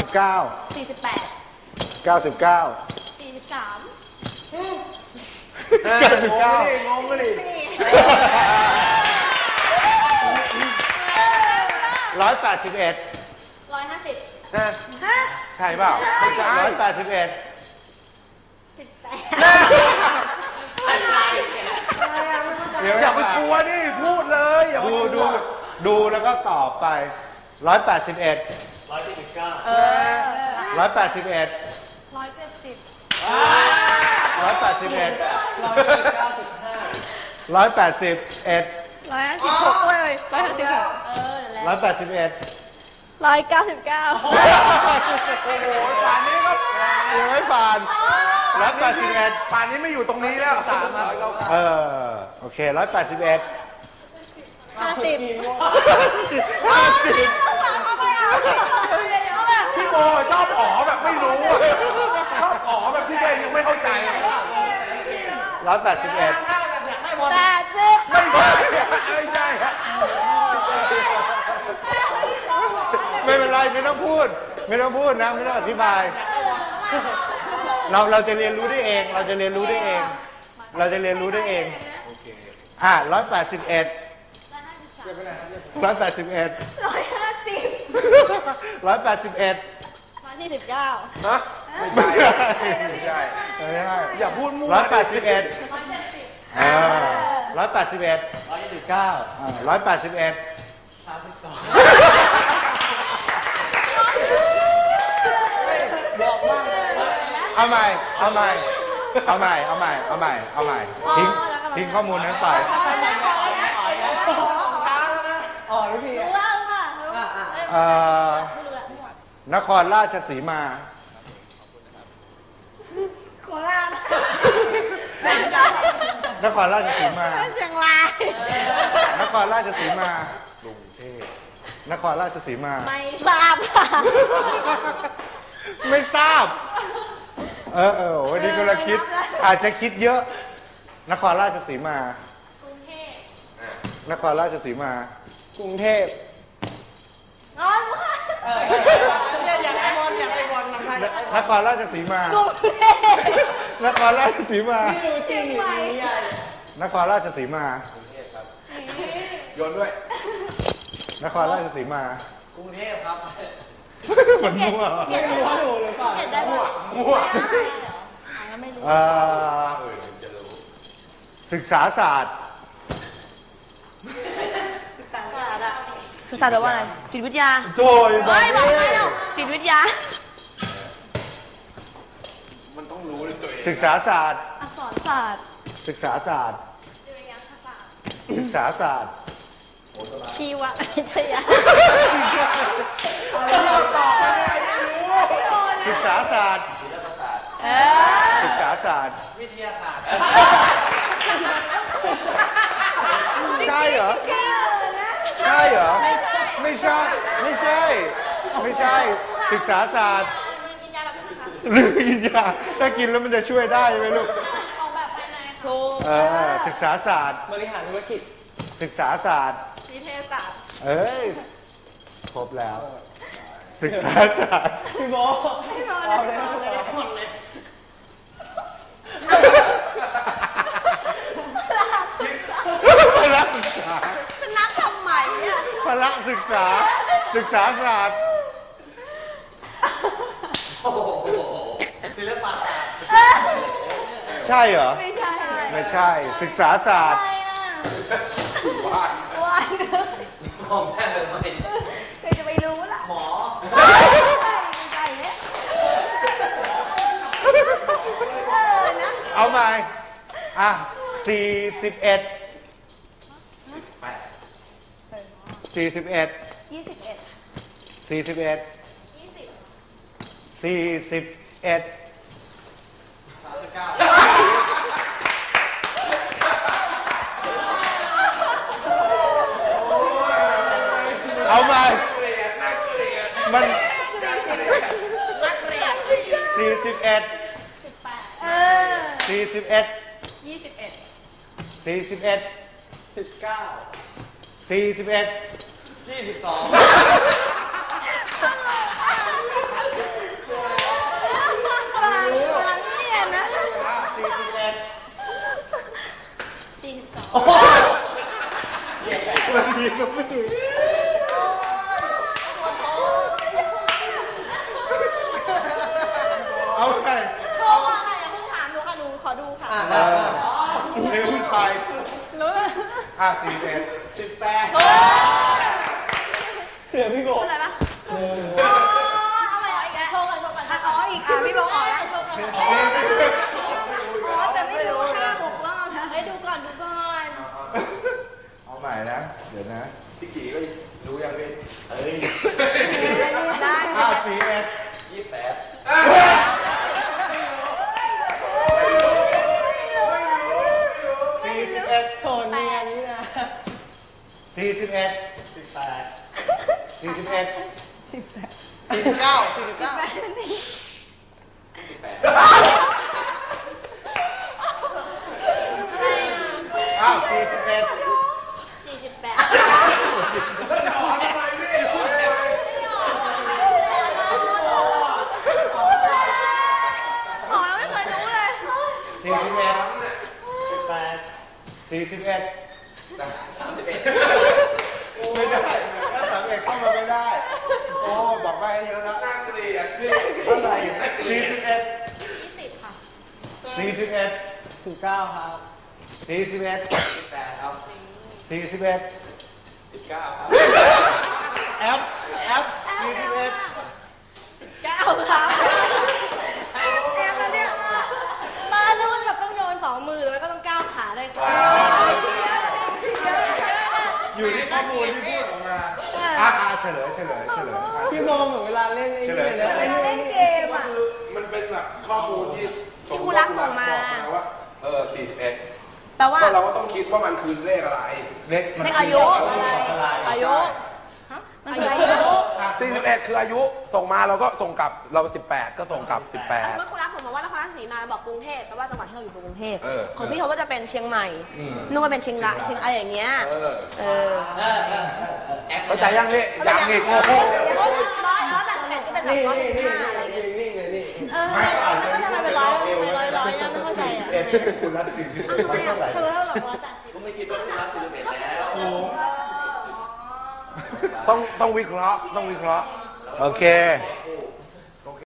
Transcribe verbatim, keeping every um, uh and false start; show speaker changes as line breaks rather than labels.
บเก้า
สี่สิบแปด
เก้าสิบเก้า
สี่สิบสาม
เก้าสิบเก้าง
งเลยดิ
ร้อยแปดสิบเอ็ด
ร้อยห้าสิบ
ใช่เปล่าไม่ใช่
ร้อยแปดสิบเอ็ด
สิบแปด
เดี๋ยวอย่
อาไปกลัวดิพูดเลยอย่า
ดูดูดูแล้วก็ตอบไปร้อยแปดสิบเอ็ด
ร้อยสี่สิบเก้า
ร้อยแปดสิบเอ็ด
ร้อยเจ็ดสิบ
ร้อยแปดสิบเอ็ด
ร้อยเก้าสิบห้า
ร้อยแปดสิบเอ็ด
ร้อยห้าสิบหกเลยร้อยห้าสิบหกเออ
ร้อยแปดสิบเอ็ด
ร้อยเก้าสิบเก้า
โอ้โหป่านนี้ก็
ยังไม่ผ่านร้อยแปดสิบเอ็ด
ป่านนี้ไม่อยู่ตรงนี้แล้วสามครับ
เออโอเคร้อยแปดสิบเอ็ด
ห้าสิบ
ห้าสิบ
พี่โมชอบอ๋อแบบไม่รู้อะชอบอ๋อแบบที่ตัวเองยังไม่เข้าใจ
ร้อยแปดสิบเอ็ด
แปดสิบ
ไม่ใช่ไม่ใช่ฮะ
ไม่เป็นไรไม่ต้องพูด ไม่ต้องพูดนะไม่ต้องอธิบาย เราเราจะเรียนรู้ได้เอง เราจะเรียนรู้ได้เอง เราจะเรียนรู้ได้เองอ่ะร้อยแปดสิบเอ็ดร้อยแปดสิบเอ็ด
ร้อยห้าสิบ
ร้อยแปดสิบเอ็ด
ร้อยสี่สิบเก้า
ฮะไม่ใช่ไม่ใช่
ไม่ใช่
อย่าพูดมั่ว
ร้อยแปดสิบเอ็ด
ร้อยเจ็ดสิบ
อ่าร้อยแปดสิบเอ็ด
ร้อยยี่สิบเก้า
อ่าร้อยแปดสิบเอ็ด
สามสิบสอง
เอาใหม่ เอาใหม่ เอาใหม่ เอาใหม่ เอาใหม่ เอาใหม่ ทิ้ง ทิ้งข้อมูลนั้นไป
อ๋อรู้พี่
รู้ว่ารู้ป่ะรู้ป่ะ
เอ่อ
ไม่รู้ละมั่วน
ครราชสีมา
โคราช
นครราชสีมา
เชียงราย
นครราชสีมา กรุงเทพ นครราชสีมา
ไม่ทราบค่ะ
ไม่ทราบ เออเออวันนี้กำลังคิด อาจจะคิดเยอะ นครราชสีมา
กรุงเทพ
นครราชสีมา กรุงเทพ
อ๋อรู้ค่ะ
อยากไปบอลอยากไปบอลน้ำไทย
นครราชสีมา
กรุงเทพ
นครราชสีมา
เชียงใหม่
นครราชสีมา
โยนด้วย
นครราชสีมา
กรุงเทพครับ
เหมือนมั่ว
เขียนได้หรือเปล่าเขียนได้หมด
มั่ว
อ่านก็ไม่รู้
เอ่อศึกษาศาสตร์
ศึกษาแปลว่าอะไรจิตวิทยา
โจยบอ
เฮ้ยบอก
ก
ไม่หรอกจิตวิทยา
มันต้องรู้ด้วยตัวเอง
ศึกษาศาสตร์
อักษรศาสตร์
ศึกษาศาสตร์
จริยศาสตร์
ศึกษาศาสตร์
ชีววิทยา
ศึกษาศาสตร์
เออ
ศึกษาศาสตร์
วิทยาศาสตร์
ใช่เหรอ ใช่เหรอ ไม่ใช่ ไม่ใช่ ไม่ใช่ ศึกษาศาสตร์
กินยาแบบนี้ค่ะ
หรือกินยาถ้ากินแล้วมันจะช่วยได้ไหมลูก
ออกแบบภายในถูก
เออ ศึกษาศาสตร์
บริหารธุรกิจ
ศึกษาศาสตร์
นิเทศศาสตร์
เอ้ย ครบแล้ว ศึกษาศาสตร์
พี่โบ
พี่บอล
เอาเลยเอาเลยหมดเลย
พละศึกษา
เป็นนักทำใหม่อะ
พละศึกษา ศึกษาศาสตร์
โอ้โหศิลปะ
ใช่เหรอ
ไม่ใช่
ไม่ใช่ ศึกษาศาสตร์
ใช่น่ะ
ว่า
วัน
มองแม่เลยไหม
ใครจะไปรู้ล่ะ
หมอ
ไม่ใช่เนี่ยเออนะ
เอาใหม่ อ่ะสี่สิบเอ็ดสี่สิบเอ็ด
ยี่สิบเอ็ด
สี่สิบเอ็ด
ยี่สิบ
สี่สิบเอ็ด
สามสิบเก้า
เอาใหม่มันสี่สิบเอ็ด
สิบแปดเออ
สี่สิบเอ็ด
ยี่สิบเอ็ด
สี่สิบเอ็ด
สิบเก้า
สี่สิบเอ็ด
ยี่สิบสอง
เ
อ่ะสี่สิบเอ็ด
สิบแปด
เหลือพี่โบ
อะไรปะอ๋อเอาใหม่อีกแล้วโชว์ก่อนโชว์ก่อนอ๋ออีกอ่ะพี่บอกอ๋อแล้วโชว์ก่อนอ๋อแต่ไม่รู้ห้าหกรอบนะให้ดูก่อนดูก่อน
เอาใหม่นะเดี๋ยวนะ
พี่กี่ก็รู้ยังพี่
เอ้ย
ได้
อ้าวสี่เอ็ด
ยี่สิบแปด
สี่สิบเอ็ด
โทนเนียนี่นะ
สี่สิบเอ็ด
สิบแปด
สี่สิบเอ็ด
สี่สิบเก้าสี่สิบเก้า
อ้าวสี่สิบเอ็ด
สี่สิบแปด
แล้วจะออกทำไมพี่รู้ได้ไง
อ๋อไม่เคยรู้เลย
สี่สิบเอ็ด
สิบแปด
สี่สิบเอ็ด
สามสิบเอ็ด
ไม่ได้ถ้าสามเอ็ดเข้ามาไม่ได้ โอ้บอกไปเยอะแล้ว
นั่งเกลียดพี่
เท่าไหร่สี่สิบเอ็ด
ยี่สิบค่ะ
สี่สิบเอ็ด
สิบเก้าครับ
สี่สิบเอ็ด
สิบแปดครับ
สี่สิบเอ็ด
สิบเก้าครับ
แอปแอปสี่สิบเอ็ด
เก้าค่ะแอมแอมแล้วเนี่ยบ้านนู้นแบบต้องโยนสองมือแล้วก็ต้องก้าวขาได้ค่ะ
อยู่ที่ข้อมูลที่พูดออกมาอ่ะอ่ะเฉลยเฉลยเฉลยอ่ะ
พี่โมเหมือนเวลาเล่นไอ้
เฉลยเฉลย
เล่นเกม
ก็
อ่ะ
คือมันเป็นแบบข้อมูลที่
ที่ครูรักส่งมา
บอกว่าเออสี่สิบเอ็ด
แปลว่า
ก็เราก็ต้องคิดว่ามันคือเลขอะไร
เล็กมัน
เลขอายุ อายุอายุอายุ
สี่สิบเอ็ดคืออายุส่งมาเราก็ส่งกลับเราสิบแปดก็ส่งกลับสิบแปด
เมื่อคุณรักผมบอกว่านครราชสีมาบอกกรุงเทพแปลว่าจังหวัดที่เราอยู่คือกรุงเทพ
เออ
ของพี่เขาก็จะเป็นเชียงใหม่นุ่งก็เป็นเชียงรายเชียงอะไรอย่างเงี้ย
เออ
เออ
เข้าใจยังพี่ยังอีกโอ้โห
ร้อยร้อยแปดสิบเอ็ดก็เป็นแบบร้อยสิบห้าอะไรอย่างเงี้ย
นิ่งเลยนี่
เออแล้วก็ทำไมเป็นร้อยทำไมร้อยร้อยเนี่ยไม่เข้าใจ
สี่สิบ
อ่ะ
เอ็ดคุณรักสี่สิบเอ็ด
ทำไม
เท่าไหร่
อ่ะเธอเท่าหรอร้อยแปดสิบ
ก็ไม่คิดว่าคุณรักสิบเอ็ดแล้ว
ต้องต้องวิเคราะห์ต้องวิเคราะห์
โอเค
โอเค